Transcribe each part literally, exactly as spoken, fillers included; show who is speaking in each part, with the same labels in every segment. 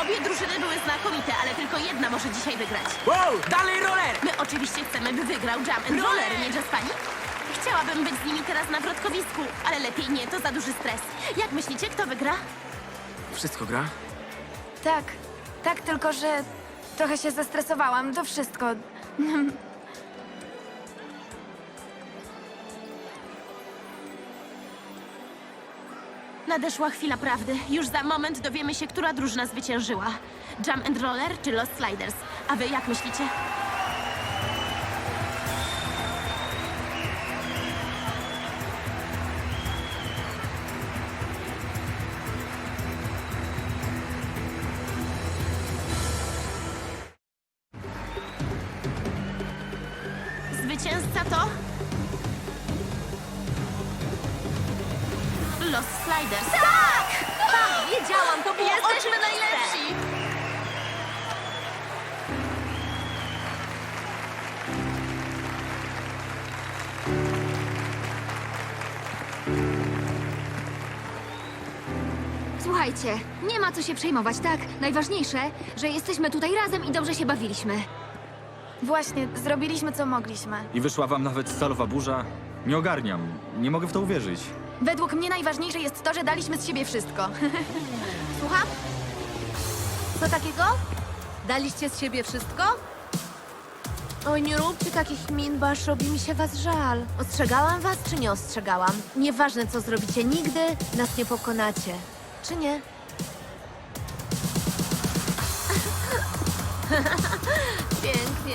Speaker 1: Obie drużyny były znakomite, ale tylko jedna może dzisiaj wygrać.
Speaker 2: Wow, dalej roller!
Speaker 1: My oczywiście chcemy, by wygrał Jam and Roller, nie Jaspani? Chciałabym być z nimi teraz na wrotkowisku, ale lepiej nie, to za duży stres. Jak myślicie, kto wygra?
Speaker 2: Wszystko gra?
Speaker 3: Tak, tak, tylko że trochę się zestresowałam, to wszystko.
Speaker 1: Nadeszła chwila prawdy. Już za moment dowiemy się, która drużyna zwyciężyła. Jam and Roller czy Lost Sliders? A wy jak myślicie? Zwycięzca to... Lost Sliders. Tak! Tak! Wiedziałam, to było Jesteśmy oczywiste. najlepsi!
Speaker 4: Słuchajcie, nie ma co się przejmować, tak? Najważniejsze, że jesteśmy tutaj razem i dobrze się bawiliśmy.
Speaker 3: Właśnie, zrobiliśmy co mogliśmy.
Speaker 5: I wyszła wam nawet stalowa burza? Nie ogarniam. Nie mogę w to uwierzyć.
Speaker 3: Według mnie najważniejsze jest to, że daliśmy z siebie wszystko.
Speaker 6: Słucham? Co takiego? Daliście z siebie wszystko? Oj, nie róbcie takich min, bo aż robi mi się was żal. Ostrzegałam was, czy nie ostrzegałam? Nieważne, co zrobicie, nigdy nas nie pokonacie. Czy nie? Pięknie.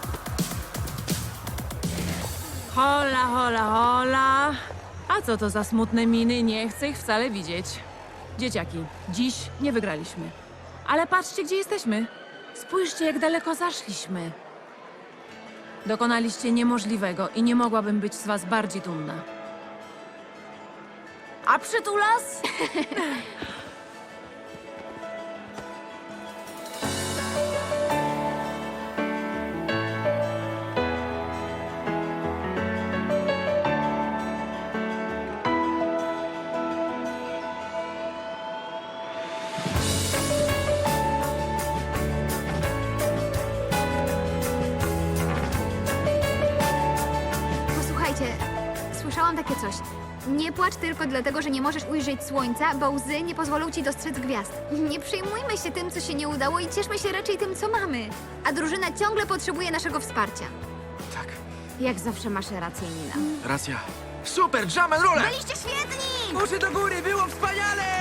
Speaker 7: Hola, hola, hola. A co to za smutne miny? Nie chcę ich wcale widzieć. Dzieciaki, dziś nie wygraliśmy. Ale patrzcie, gdzie jesteśmy. Spójrzcie, jak daleko zaszliśmy. Dokonaliście niemożliwego i nie mogłabym być z was bardziej dumna.
Speaker 6: A przytulas?
Speaker 4: Posłuchajcie, słyszałam takie coś. Nie płacz tylko dlatego, że nie możesz ujrzeć słońca, bo łzy nie pozwolą ci dostrzec gwiazd. Nie przejmujmy się tym, co się nie udało i cieszmy się raczej tym, co mamy. A drużyna ciągle potrzebuje naszego wsparcia.
Speaker 2: Tak,
Speaker 4: Jak zawsze masz rację, Nina.
Speaker 2: racja. Super, Jam and Roller!
Speaker 3: Byliście świetni!
Speaker 2: Uszy do góry, było wspaniale!